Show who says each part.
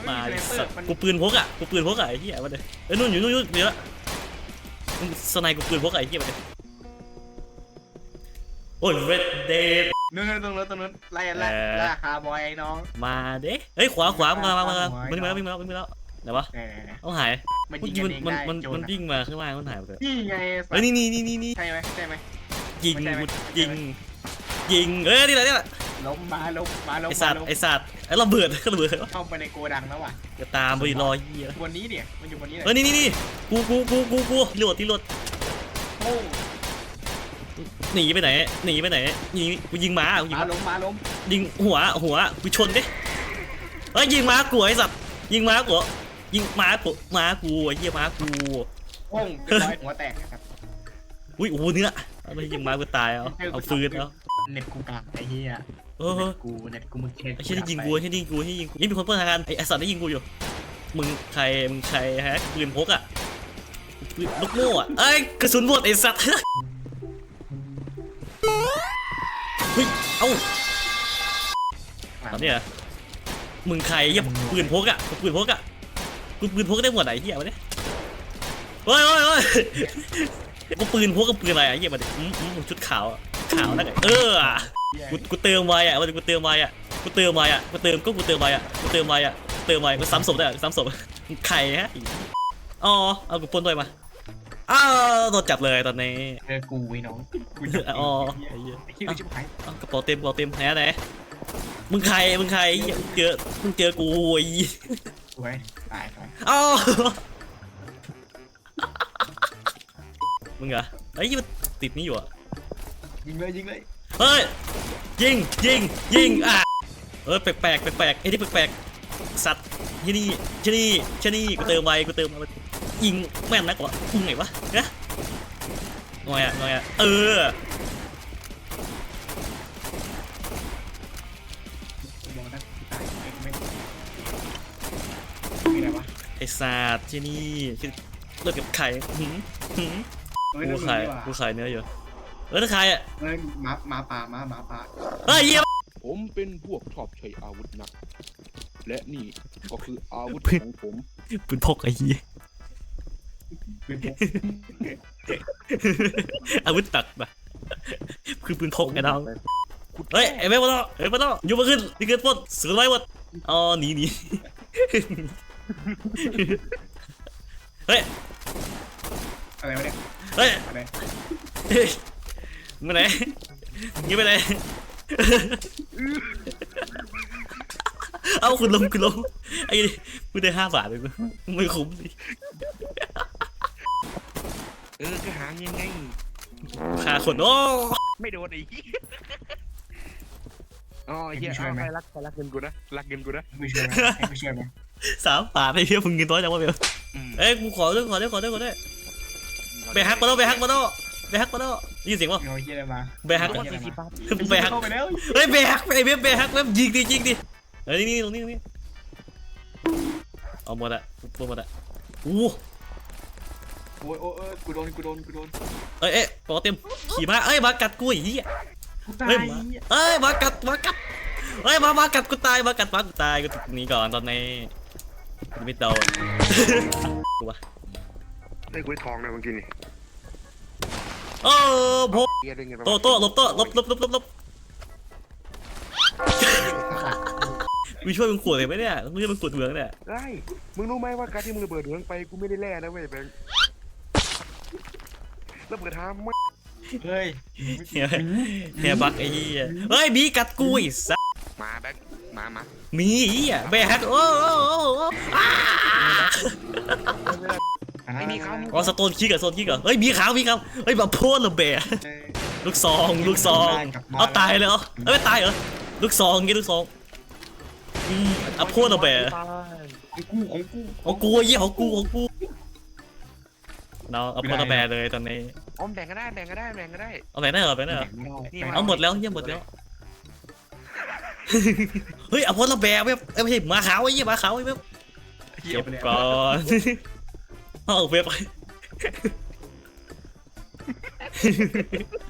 Speaker 1: มาสัตว์กูปืนพกอ่ะไอ้เหี้ยมาเลยเอ้ยนู่นอยู่เดี๋ยวสไนกูปืนพกไอ้เหี้ยมาเลยโอ้ย Red Dead
Speaker 2: นู่นตรงนู้นไล่คาร์บอยน้อง
Speaker 1: มาเด้เฮ้ยขวามาวิ่งมาแล้วไหนวะต้องหายมันวิ่งมาข้างล่างมันหายไปเลย
Speaker 2: นี่ไง
Speaker 1: เฮ้ยนี่
Speaker 2: ใช่ไหม
Speaker 1: ยิงนี่แหละ
Speaker 2: ล้มมา
Speaker 1: ไอสัตว์ไอระเบิด
Speaker 2: เข้าไปในโกดังแล้วว่ะ
Speaker 1: จะตามไปรอเหี้ย
Speaker 2: บนนี้เนี่ยมันอยู่บนนี้เลย
Speaker 1: เฮ้ยนี่กูรีโหลด
Speaker 2: โอ้
Speaker 1: หนีไปไหนกูยิงม้า
Speaker 2: ล้ม
Speaker 1: ยิงหัวกูชนดิเฮ้ยยิงม้ากูไอสัตว์ยิงม้ากูไอ้เหี้ยม้ากู
Speaker 2: โอ้งเป็นรอยหัวแตกครับ
Speaker 1: อุ้ยโอ้โหเนื้อไม่ยิงม้ากูตายเอาฟืนแล้ว
Speaker 2: เน็ตกูกากไอ้เหี้ยเน็ตกูมึงเช็ค
Speaker 1: ไอ้เชี่ยที่ยิงกูนี่มีคนเปิดทางการไอ้สัตว์ได้ยิงกูอยู่มึงใครฮะปืนพกอ่ะลูกโม่อ่ะเอ้ยกระสุนหมดไอ้สัตว์เฮ้ยเอ้าเนี่ยมึงใครยังปืนพกอ่ะกูปืนพกได้หมดไหนเหี้ยวะเนี่ยเฮ้ยกูปืนพกกับปืนอะไรอ่ะเหี้ยมาดิชุดขาวนั่นไงกูเติมไว้อ่ะกูเติมไว้มันซ้ำศพได้ซ้ำศพไข่ฮะอ๋อเอากูปนด้วยมาโดนจับเลยตอนนี้
Speaker 2: กูไอ้น้อง
Speaker 1: อ๋อไอ้เหี้ยกระเป๋าเต็มไหนมึงใครเจอกูไอ้
Speaker 2: สวยตาย
Speaker 1: อ๋อมึงเหรอไอ้ยี่มันติดนี่อยู่อ่ะ
Speaker 2: ยิงเลย
Speaker 1: เฮ้ยยิงอ่ะแปลกไอ้ที่แปลกสัตว์ที่นี่กูเติมไว้ยิงแม่นนักวะพุ่งไงวะเนี่ยงอยอ่ะไอ้สัตว์ที่นี่เลือกกับไข่กูขายเนื้ออยู่ถ้าใครอ่ะ
Speaker 2: หมาป่า
Speaker 1: เฮ้ยเยี่ยม
Speaker 3: ผมเป็นพวกชอบใช้อาวุธหนักและนี่ก็คืออาวุธของผม
Speaker 1: ปืนพกไอ้เหี้ยอาวุธตักปะคือปืนพกไอ้น้องเฮ้ยไอ้แม่มาต่ออยู่มาขึ้นนี่เกิดปนสือไรวะอ๋อหนีเฮ้ย
Speaker 2: อะไรวะเนี่ย
Speaker 1: เฮ้ยมาไหนยิงไปไหนเอาคุณลงไอ้กูได้5 บาทเลยไม่คุ้มดิ
Speaker 3: ก็หายังไง
Speaker 1: ฆ่าคนโอ้
Speaker 3: ไม่โดนอีกอ๋อเฮียใครรักเงินกูนะ
Speaker 2: ไม่ช่วยไหม
Speaker 1: 3 บาทไอ้เหี้ยมึงกินน้อยจังวะเบลเอ้ยกูขอด้วยไปฮักมาโน่ยินเสียงป่ะไปฮักเฮ้ยไปฮักไอ้เบลไปฮักแล้วยิงดิเฮ้ยนี่ตรงนี้เอาหมดอะโอ้
Speaker 2: กูโดน
Speaker 1: เอ้ยปอเต็มขี่มามากัดกูอีกมากัดมากัดกูตายกูหนีก่อนตอนนี้ไม่โดนกูวะ
Speaker 3: ได้กูทองนะเมื่อกี้นี่
Speaker 1: พกโต้ลบวิช่วยมึงขวดเลยไหมเนี่ยมึงจะมึงขวดเหมืองเนี่ย
Speaker 3: ได้มึงรู้ไหมว่าการที่มึงระเบิดเหมืองไปกูไม่ได้แล่นะเว้ยแบงค์ระเบิดทาม
Speaker 2: เฮ้ย
Speaker 1: เฮียบักไอ้เหี้ยเฮ้ยบีกัดกูอีสัส
Speaker 3: มาแบงค์มา
Speaker 1: มีอ่ะแบกโอ้
Speaker 3: ไม่มีเขา
Speaker 1: อ๋อสโตนคิกกับโซนคิกเหรอเฮ้ยมีขาวเฮ้ยแบบโพสระเบะลูกซองเอาตายเลยเหรอไม่ตายเหรอลูกซองเอาโพสระเบะของกูยี่ของกูเราเอาโพสระเบะเลยตอนนี้
Speaker 3: แบ่งก็ได้เอาแบ่ง
Speaker 1: ได้เหรอเอาหมดแล้วเฮ้ยเอาโพสระเบะไม่ใช่หมาขาวไอ้ยี่หมาขาวไอ้เว็บเก็บก่อนเอาเว็บ